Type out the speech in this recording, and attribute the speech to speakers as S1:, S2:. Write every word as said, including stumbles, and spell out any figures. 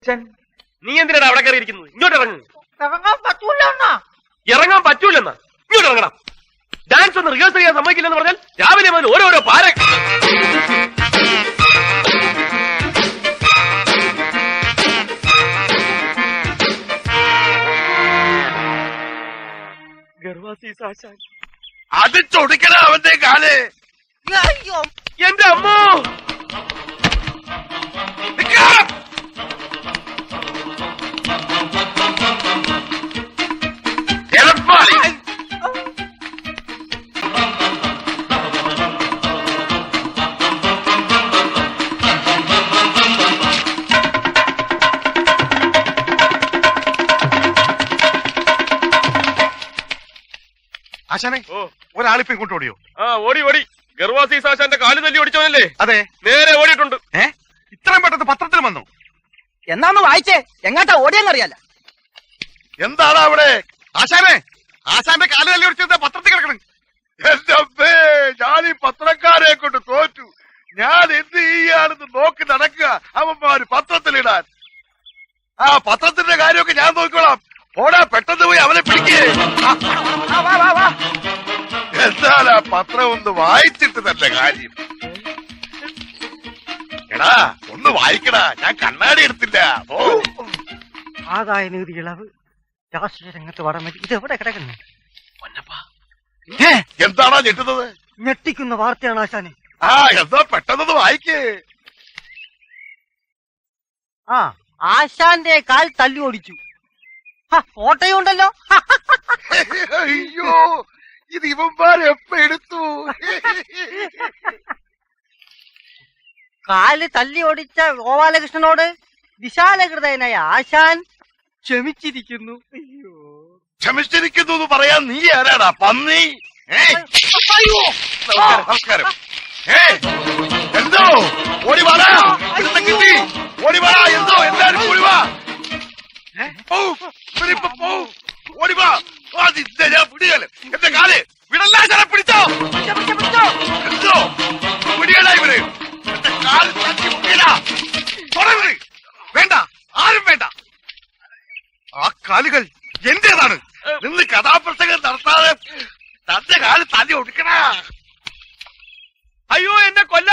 S1: നീ എന്തിനാണ് അവിടെ കയറിയിരിക്കുന്നത്? ഇങ്ങോട്ട് ഇറങ്ങ്.
S2: ഇറങ്ങാൻ പറ്റൂല.
S1: ഇറങ്ങാൻ പറ്റൂലെന്നാ? ഇങ്ങോട്ട് ഇറങ്ങണം. ഡാൻസ് ഒന്ന് റിഹേഴ്സൽ ചെയ്യാൻ സമ്മതിക്കില്ലെന്ന് പറഞ്ഞാൽ രാവിലെ മുതൽ ഓരോരോ പാര.
S3: അത് ചൊടിക്കണ അവന്റെ കാല്.
S1: എന്റെ അമ്മോ,
S3: ആശാനെ, ഒരാളിപ്പോ ഇങ്ങോട്ട് ഓടിയോ?
S1: ആ ഓടി ഓടി. ഗർവാസീസ് ആശാന്റെ കാല് തല്ലി ഓടിച്ചവനല്ലേ?
S3: അതെ,
S1: നേരെ ഓടിയിട്ടുണ്ട്.
S3: ഏ ഇത്രയും പെട്ടെന്ന് പത്രത്തിൽ വന്നു?
S2: എന്നാന്ന് വായിച്ചേ, എങ്ങാട്ടാ ഓടിയെന്നറിയാല.
S3: എന്താണ് അവിടെ? ആശാനെ, ആശാന്റെ കാല് തല്ലി ഓടിച്ചത് പത്രത്തിൽ കിടക്കണം. എന്റെ അമ്മേ, ഞാൻ ഈ പത്രക്കാരെ കൊണ്ട് തോറ്റു. ഞാൻ എന്ത് ചെയ്യാണെന്ന് നോക്കി നടക്കുക അവന്മാര് പത്രത്തിലിടാൻ. ആ പത്രത്തിന്റെ കാര്യമൊക്കെ ഞാൻ നോക്കിക്കോളാം. ഓടാ, പെട്ടെന്ന് പോയി അവനെ പിടിക്കേ. എന്താ പത്രം ഒന്ന് വായിച്ചിട്ട് തന്നെ കാര്യം. എടാ, ഒന്ന് വായിക്കടാ, ഞാൻ കണ്ണാടി എടുത്തില്ല. ഓ,
S2: ആദായ നികുതി ഇളവ്, രാഷ്ട്രീയ രംഗത്ത് വടമതി, ഇതെവിടെ കിടക്കുന്നു?
S3: എന്താണോ ഞെട്ടുന്നത്?
S2: ഞെട്ടിക്കുന്ന വാർത്തയാണ് ആശാനെ.
S3: ആ, എന്താ പെട്ടെന്ന് വായിക്കേ.
S2: ആ, ആശാന്റെ കാൽ തല്ലി ഓടിച്ചു. ഫോട്ടോയും ഉണ്ടല്ലോ.
S3: അയ്യോ, ഇത് ഇവന്മാരെ എപ്പ എടുത്തു?
S2: കാല് തല്ലി ഓടിച്ച ഗോപാലകൃഷ്ണനോട് വിശാലഹൃദയനായ ആശാൻ ക്ഷമിച്ചിരിക്കുന്നു. അയ്യോ,
S3: ക്ഷമിച്ചിരിക്കുന്നു എന്ന് പറയാൻ നീ ആരാടാ, പന്നി? നമസ്കാരം. ഏ എന്തോ ഓടിവാടാ, കിട്ടി ഓടിവാടാ. എന്തോ എല്ലാരും ഓടിവാ, ഓടിവാ. ഞാൻ പിടിയാല് എന്റെ കാല് വിടല്ല. ഞാൻ പിടിച്ചോ എന്തോ പിടിയല്ല ഇവര്. എന്റെ കാല് തട്ടി മുട്ടിയല്ല. തുടരുത്, വേണ്ട, ആരും വേണ്ട. ആ കാലുകൾ എന്റേതാണ്. നിന്ന് കഥാപ്രസംഗം നടത്താതെ തന്റെ കാല് തല്ലി ഒടുക്കണ.
S1: അയ്യോ, എന്നെ കൊല്ല